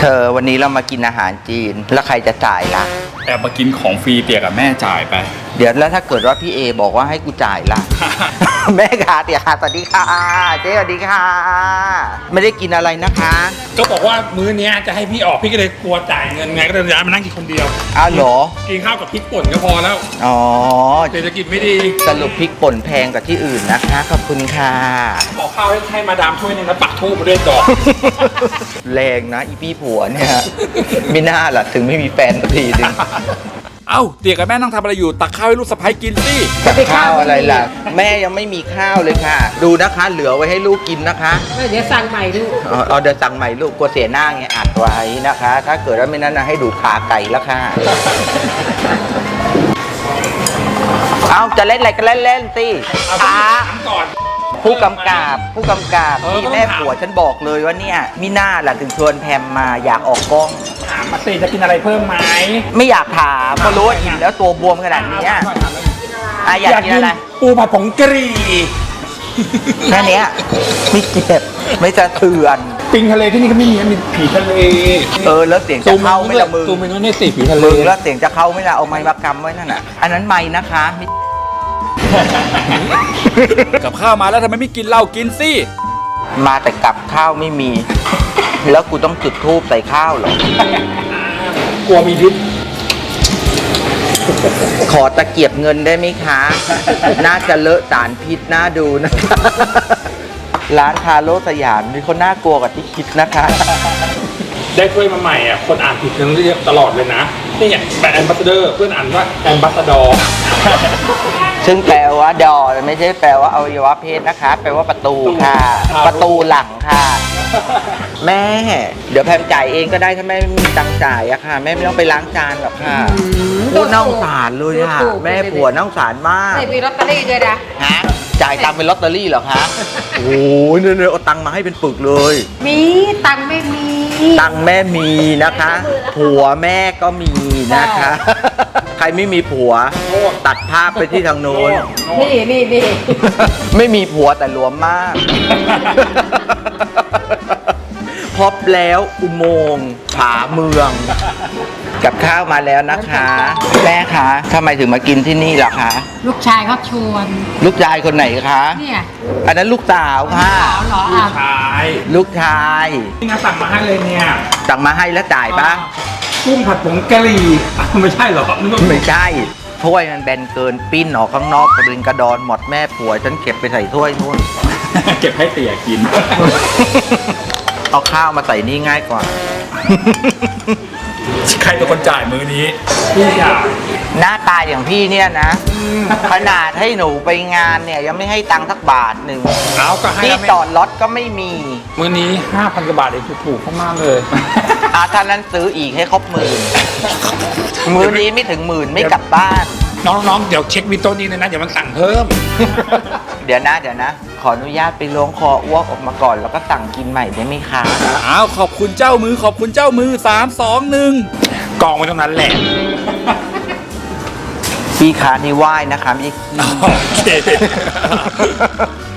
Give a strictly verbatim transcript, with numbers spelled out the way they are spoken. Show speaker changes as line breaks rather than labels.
เธอวันนี้เรามากินอาหารจีนแล้วใครจะจ่ายล่ะ
แอบมากินของฟรีเตี่ยกับแม่จ่ายไป
เดี๋ยวแล้วถ้าเกิดว่าพี่เอบอกว่าให้กูจ่ายล่ะ แม่ค่ะเตี่ยค่ะสวัสดีค่ะเจ๊สวัสดีค่ะไม่ได้กินอะไรนะคะ
ก็บอกว่ามื้อนี้จะให้พี่ออกพี่ก็เลยกลัวจ่ายเงินไงก็เลยย้ายมานั่งกินคนเดียว
อ้าวเหรอ
กินข้าวกับพริกป่นก็พอแล้ว
อ๋อ
เศรษฐกิจไม่ดี
สรุปพริกป่นแพงกว่าที่อื่นนะคะขอบคุณค่ะ
ขอข้าวให้มาดามถ้วยนึงแล้วปักทูบมาด้วยดอก
แรงนะอีพี่ผัวเนี่ยไม่น่าล่ะถึงไม่มีแฟนสักทีนึง
เอ้าเตี่ยกับแม่นั่งทำอะไรอยู่ตักข้าวให้ลูกสะใภ้กินสิ
ข้าวอะไรล่ะแม่ยังไม่มีข้าวเลยค่ะดูนะคะเหลือไว้ให้ลูกกินนะคะ
เดี๋ยวสั่งใหม่ลูก
เอาเดี๋ยวสั่งใหม่ลูกกลัวเสียหน้าไงอัดไว้นะคะถ้าเกิดว่าไม่นั้นนะให้ดูขาไก่แล้วค่ะเอาจะเล่นอะไรก็เล่นเล่นสิช้า
ก่อน
ผู้กำกับผู้กำกับที่แม่ผัวฉันบอกเลยว่าเนี่ยมิน่าแหละถึงชวนแพมมาอยากออกกล้อง
ถามมาสิจะกินอะไรเพิ่มไหม
ไม่อยากถามเพราะรู้ว่าอิ่มแล้วตัวบวมขนาดนี้อ่ะอยากกินอะไร
ปูผัดผงกะหรี่
แค่นี้ไม่เจ็บไม่จะเถื่อน
ปิงทะเลที่นี่ก็ไม่มีมีผีทะเล
เออแล้วเสียงจะเข้าไม่ละมือ
ตูมไปนู้นนี่สิผีทะเล
แล้วเสียงจะเข้าไม่ละเอาไม้มากำไว้นั่นน่ะอันนั้นไม้นะคะ
กับข้าวมาแล้วทำไมไม่กินเหล้ากินสิ
มาแต่กับข้าวไม่มีแล้วกูต้องจุดธูปใส่ข้าวเหร
อกลัวมีพิษ
ขอตะเกียบเงินได้ไหมคะน่าจะเลอะสารพิษน่าดูนะร้านคาโลสยามมีคนน่ากลัวกว่าที่คิดนะคะ
ได้ถ้วยมาใหม่อ่ะคนอ่านผิดกันเรียกตลอดเลยนะนี่ไงแบรนด์แอมบาสเดอร์เพื่อนอ่านว่าแอมบาสดอร์
ซึ่งแปลว่าดอไม่ใช่แปลว่าอวัยวะเพศนะคะแปลว่าประตูค่ะประตูหลังค่ะแม่เดี๋ยวแพมจ่ายเองก็ได้ถ้าแม่ไม่มีตังค์จ่ายอะค่ะแม่ไม่ต้องไปล้างจานหรอกค่ะพูดน่าสงสารเลยค่ะแม่ผัวน่าสงสารมาก
ใส่มีลอตเตอรี่ด้วยนะ
ฮะจ่ายตังค์เป็นลอตเตอรี่เหรอคะโอ้ยเนี่ยเอาตังค์มาให้เป็นปึกเลย
มีตังค์ไม่มี
ตังค์แม่มีนะคะผัวแม่ก็มีนะคะใครไม่มีผัวตัดภาพไปที่ทางโน้น
นี่นี่นี่
ไม่มีผัวแต่หลวมมากพบแล้วอุโมงค์ผาเมืองกับข้าวมาแล้วนะคะแม่คะทำไมถึงมากินที่นี่ล่ะคะ
ลูกชายเขาชวน
ลูกชายคนไหนคะ
เนี่ย
อันนั้นลูกสาวค่ะ
ลูกช
าย
ลูกชาย
นี่นะสั่งมาให้เลยเนี่ย
สั่งมาให้แล้วจ่ายปะ
กุ้งผัดผงกะหรี่ไม่ใช่หรอ
ไม่ใช่ถ้วยมันแบนเกินปิ้นออกข้างนอกกระดึงกระดอนหมดแม่ผัวฉันเก็บไปใส่ถ้วยนู่น
เก็บให้เตี่ยกิน
เอาข้าวมาใส่นี่ง่ายกว่า
ใครเป็นคนจ่ายมื้อนี้พี่อยาก
หน้าตาอย่างพี่เนี่ยนะขนาดให้หนูไปงานเนี่ยยังไม่ให้ตังค์สักบาทหนึ่ง
เอาก็ให้
ที่จอดรถก็ไม่มี
มื้อนี้ห้าพันกว่าบาทเองถูกๆมากเลย
อาท่านนั้นซื้ออีกให้ครบหมื่นมื้อนี้ไม่ถึงหมื่นไม่กลับบ้าน
น้องๆเดี๋ยวเช็ควิโต้นี้เลยนะเดี๋ยวมันสั่งเพิ่ม
เดี๋ยวนะเดี๋ยวนะขออนุญาตไปล้วงคออ้วกออกมาก่อนแล้วก็สั่งกินใหม่ได้ไหมคะ
อ้าวขอบคุณเจ้ามือขอบคุณเจ้ามือสามสองหนึ่งกองไว้ตรงนั้นแหละ
พี่ค้านี่ไหว้นะคะไม่ใช่ขี้